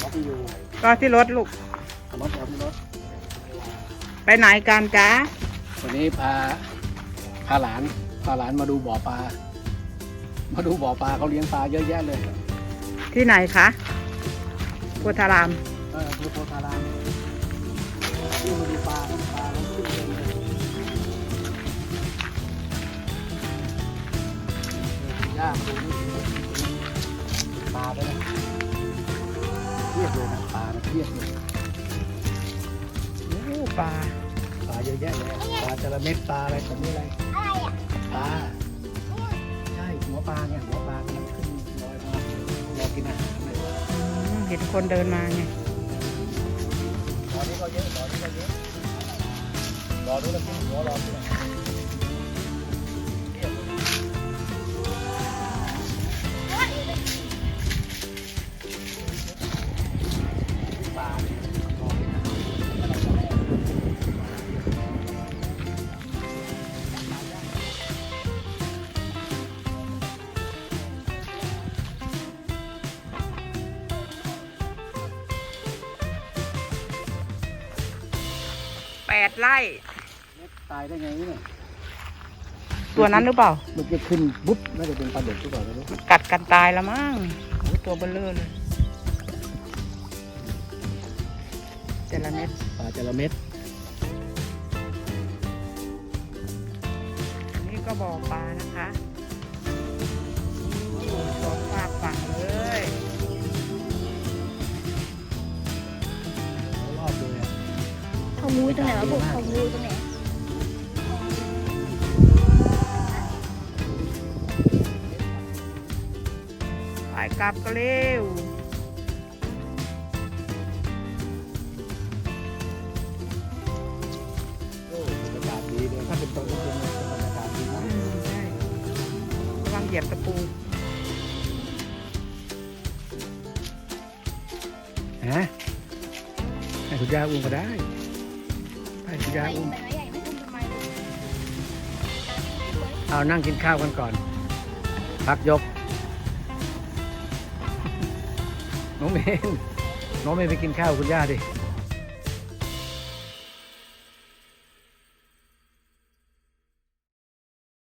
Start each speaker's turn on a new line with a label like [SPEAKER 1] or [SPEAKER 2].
[SPEAKER 1] ที่อยู่
[SPEAKER 2] รอที่รถลูก
[SPEAKER 1] รถที่รถ
[SPEAKER 2] ไปไหนกันจ๊ะ
[SPEAKER 1] วันนี้พาหลานมาดูบ่อปลาเขาเลี้ยงปลาเยอะแยะเลย
[SPEAKER 2] ที่ไหนคะโพธาราม
[SPEAKER 1] คือโพธารามที่มาดูปลาแล้วขึ้นเต็มเลยย่ามาดูนี่ปลาด้วยนะเทียบเลยนะปลาเทียบเลย
[SPEAKER 2] โอ้ปลา
[SPEAKER 1] ปลาเยอะแยะเลยปลาจระเม็ดปลาอะไรแบบนี้อะไรปลาใช่หัวปลาเนี่ยหัวปลากำลังขึ้นลอยมารอกินอาหารเลย
[SPEAKER 2] เห็นคนเดินมาไง
[SPEAKER 1] รอนี้ก็เยอะรอดูแล้วกินหัวรอดูนะปลาเนี่ยรอกินอาหาร
[SPEAKER 2] 8 ไร่
[SPEAKER 1] ตายได้ไงเนี่ย
[SPEAKER 2] ตัวนั้นหรือเปล่า
[SPEAKER 1] มันจะขึ้นบุ๊บน่าจะเป็นปลาดุกหรือเปล่าไม่รู้
[SPEAKER 2] กัดกันตายแล้วมั้งโอ้ตัวเบลเลอร์เลยแต่ละเม็ด
[SPEAKER 1] ปลาจระเม็ด
[SPEAKER 2] อันนี้ก็บ่อปลานะคะโอ้สองฝากฝั่งเลย
[SPEAKER 1] รอบเลยอ่ะ
[SPEAKER 3] เขามูตรงไหนวะบุกเขามูตรงไหน
[SPEAKER 2] ไปกลับก็เร็ว
[SPEAKER 1] โอ้บรรยากาศดีเลยถ้าเป็นตอนเย็นๆบรรยากาศดีมาก
[SPEAKER 2] ใช่ระวังเหยียบตะปู
[SPEAKER 1] ฮะให้คุณย่าอุ้มก็ได้ให้คุณย่าอุ้ม
[SPEAKER 3] ใหญ่ไม่อุ้มทำไม
[SPEAKER 1] เอานั่งกินข้าวกันก่อน พักยก น้องเมย์ไปกินข้าวคุณย่าดิ